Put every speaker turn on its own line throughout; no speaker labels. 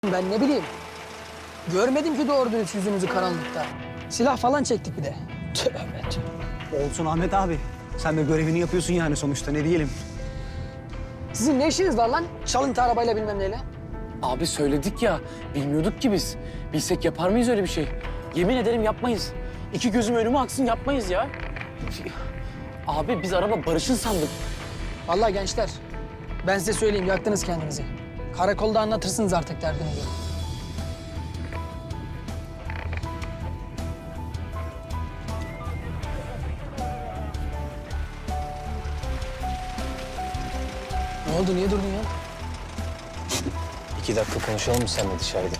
Ben ne bileyim. Görmedim ki doğru dürüst yüzünüzü karanlıkta. Silah falan çektik bir de. Tövbe tövbe.
Olsun Ahmet abi. Sen de görevini yapıyorsun yani sonuçta ne diyelim.
Sizin ne işiniz var lan? Çalıntı arabayla bilmem neyle.
Abi söyledik ya, bilmiyorduk ki biz. Bilsek yapar mıyız öyle bir şey? Yemin ederim yapmayız. İki gözüm önüme aksın yapmayız ya. Abi biz araba Barış'ın sandık.
Vallahi gençler, ben size söyleyeyim yaktınız kendinizi. Karakolda anlatırsınız artık derdinizi. Ne oldu, niye durdun ya?
2 dakika konuşalım mı seninle dışarıda?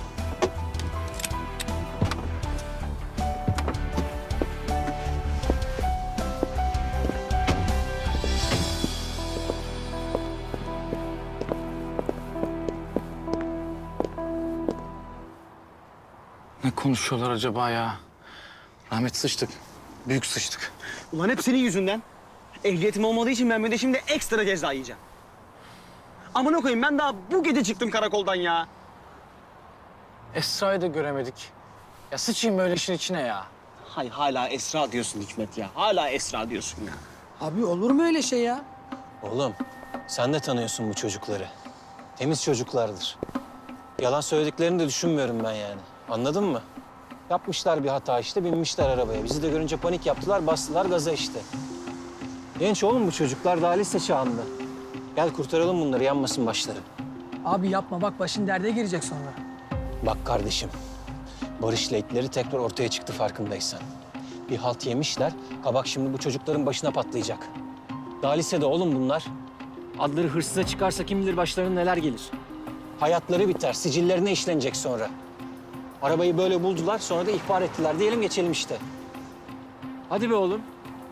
Ne konuşuyorlar acaba ya? Rahmet sıçtık. Büyük sıçtık.
Ulan hep senin yüzünden. Ehliyetim olmadığı için ben bir de şimdi ekstra ceza yiyeceğim. Amına koyayım ben daha bu gece çıktım karakoldan ya.
Esra'yı da göremedik. Ya sıçayım böyle işin içine ya.
Hay hala Esra diyorsun Hikmet ya. Hala Esra diyorsun ya.
Abi olur mu öyle şey ya?
Oğlum, sen de tanıyorsun bu çocukları. Temiz çocuklardır. Yalan söylediklerini de düşünmüyorum ben yani. Anladın mı? Yapmışlar bir hata işte, binmişler arabaya. Bizi de görünce panik yaptılar, bastılar gaza işte. Genç oğlum bu çocuklar, daha lise çağında. Gel kurtaralım bunları, yanmasın başları.
Abi yapma bak başın derde girecek sonra.
Bak kardeşim, Barış'la itleri tekrar ortaya çıktı farkındaysan. Bir halt yemişler, kabak şimdi bu çocukların başına patlayacak. Daha lisede oğlum bunlar. Adları hırsıza çıkarsa kim bilir başlarına neler gelir. Hayatları biter, sicillerine işlenecek sonra. Arabayı böyle buldular, sonra da ihbar ettiler. Diyelim geçelim işte. Hadi be oğlum.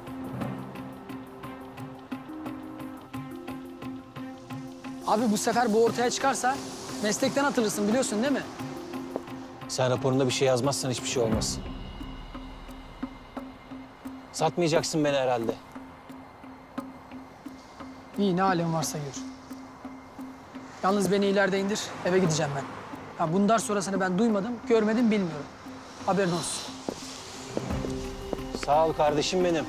Abi bu sefer bu ortaya çıkarsa meslekten atılırsın biliyorsun değil mi?
Sen raporunda bir şey yazmazsan hiçbir şey olmaz. Satmayacaksın beni herhalde.
İyi ne halin varsa gör. Yalnız beni ileride indir, eve gideceğim ben. Ha, bundan sonrasını ben duymadım, görmedim, bilmiyorum. Haberin olsun.
Sağ ol kardeşim benim.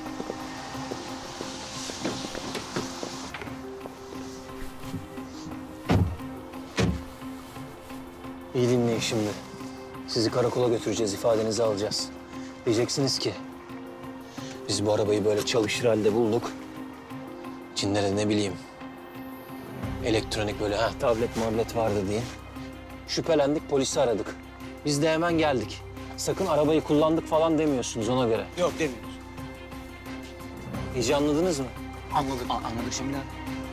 İyi dinleyin şimdi. Sizi karakola götüreceğiz, ifadenizi alacağız. Diyeceksiniz ki, biz bu arabayı böyle çalışır halde bulduk. İçinde de ne bileyim, elektronik böyle tablet mablet vardı diye. Şüphelendik, polisi aradık. Biz de hemen geldik. Sakın arabayı kullandık falan demiyorsunuz ona göre.
Yok demiyoruz.
İyice anladınız mı?
Anladık. Anladık şimdi.